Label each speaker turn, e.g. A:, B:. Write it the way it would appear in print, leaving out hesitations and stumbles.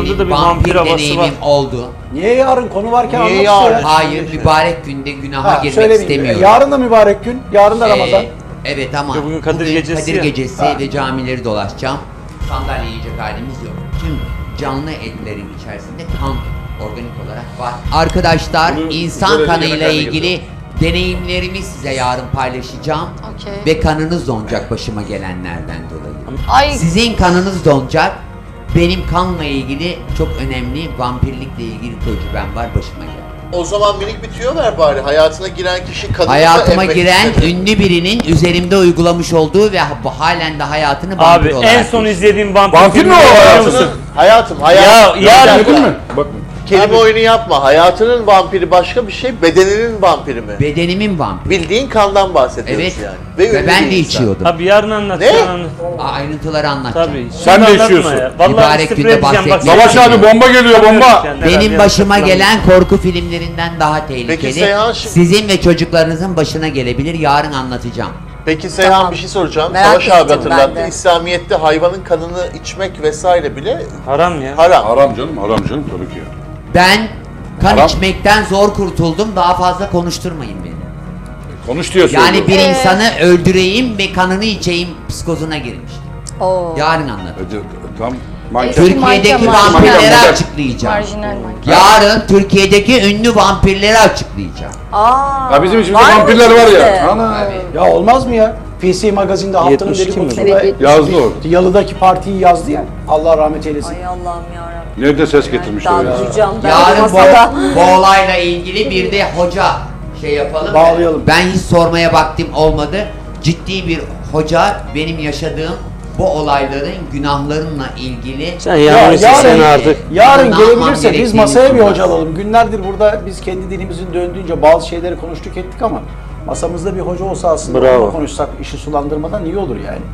A: Orada da bir
B: vampir
A: vampir havası
B: deneyimim
A: var.
B: oldu.
C: Niye yarın konu varken
D: Niye
C: anlat işte
D: yarın?
C: ya.
B: Hayır, mübarek günde günaha
C: Ha,
B: girmek
C: söylemeyeyim.
B: istemiyorum.
C: Yarın da mübarek gün. Yarın da Ramazan.
B: Evet ama
A: Ya bugün Kadir Gecesi
B: Kadir
A: ya.
B: Gecesi
C: Ha.
B: ve camileri dolaşacağım. Sandalye yiyecek halimiz yok. Tüm canlı etlerin içerisinde kan organik olarak var. Arkadaşlar
D: Bunu
B: insan
D: böyle
B: kanıyla
D: yemeklerle
B: ilgili deneyimlerimi size yarın paylaşacağım.
E: Okey.
B: Ve kanınız donacak başıma gelenlerden dolayı.
E: Ay
B: Sizin kanınız donacak. Benim kanla ilgili çok önemli vampirlikle ilgili tecrübem var başıma geldi.
D: O zaman minik bir tüyo ver bari. Hayatına giren kişi kadını
B: Hayatıma
D: emmek
B: giren
D: istedi.
B: ünlü birinin üzerimde uygulamış olduğu ve halen de hayatını vampir
A: Abi
B: olarak
A: en son
B: yaşıyor.
A: izlediğim vampir
C: Vampir mi
A: filmini
C: o?
A: biliyor
C: Hayatını-
A: musun?
D: Hayatım,
A: Ya yarın
D: Gördün
C: mü? Bak.
D: Kelime oyunu yapma. Hayatının vampiri başka bir şey, bedeninin vampiri mi?
B: Bedenimin vampir.
D: Bildiğin kandan bahsediyoruz
B: Evet.
D: yani.
B: Ve
D: ünlü
B: ben
D: bir
B: de
D: insan.
B: içiyordum.
A: Abi yarın anlat.
D: Ne?
A: yarın anlat.
B: Ayrıntıları anlatacağım.
A: Tabii.
C: Sen
A: Şimdi
C: de
A: anlatma
C: içiyorsun.
A: ya. Vallahi
B: Mübarek
A: sprey
B: günde
A: edeceğim bak.
B: bahsetmiyorum.
C: Savaş abi bomba geliyor bomba.
B: Benim başıma gelen korku filmlerinden daha tehlikeli.
D: Seyhan şimdi-
B: Sizin ve çocuklarınızın başına gelebilir. Yarın anlatacağım.
D: Peki Seyhan
E: Tamam.
D: bir şey soracağım.
E: Merak
D: Savaş abi
E: ettim ben
D: hatırlattı.
E: de.
D: İslamiyet'te hayvanın kanını içmek vesaire bile
A: Haram ya.
D: haram.
F: Haram canım tabii ki.
B: Ben kan
F: Haram.
B: içmekten zor kurtuldum. Daha fazla konuşturmayın beni.
F: Konuş diyor
B: Yani
F: söylüyor.
B: bir insanı öldüreyim ve kanını içeyim psikozuna girmiştim.
E: o.
B: Yarın anlatacağım.
F: Tam manken.
B: Türkiye'deki
E: Manken,
B: vampirleri
F: manken.
B: açıklayacağım.
E: Marjinal manken.
B: Yarın Türkiye'deki ünlü vampirleri açıklayacağım.
E: Aa.
F: Ya bizim içimizde
E: var mı
F: vampirler var
E: bizde?
F: ya. Ana.
B: Tabii.
C: Ya olmaz mı ya? PC Magazin'de haftanın
A: 72 mi?
C: dedikodusunda
E: Evet,
F: Yazdı o.
C: Yalı'daki partiyi yazdı ya. Allah rahmet eylesin.
E: Ay Allah'ım yarabbim.
F: Nerede ses getirmişler
E: Daha
F: ya.
E: duyacağım ben
B: Yarın
E: masada.
B: bu olayla ilgili bir de hoca şey yapalım.
C: Bağlayalım.
B: Ben hiç sormaya vaktim olmadı. Ciddi bir hoca benim yaşadığım bu olayların günahlarımla ilgili
A: Sen yarın sen artık.
C: Yarın
B: Ne yapmam
C: gelebilirse biz
B: gerektiğini
C: masaya bir
B: sormaz.
C: hoca alalım. Günlerdir burada biz kendi dilimizin döndüğünce bazı şeyleri konuştuk ettik ama masamızda bir hoca olsa aslında
A: Bravo.
C: onunla konuşsak işi sulandırmadan iyi olur yani.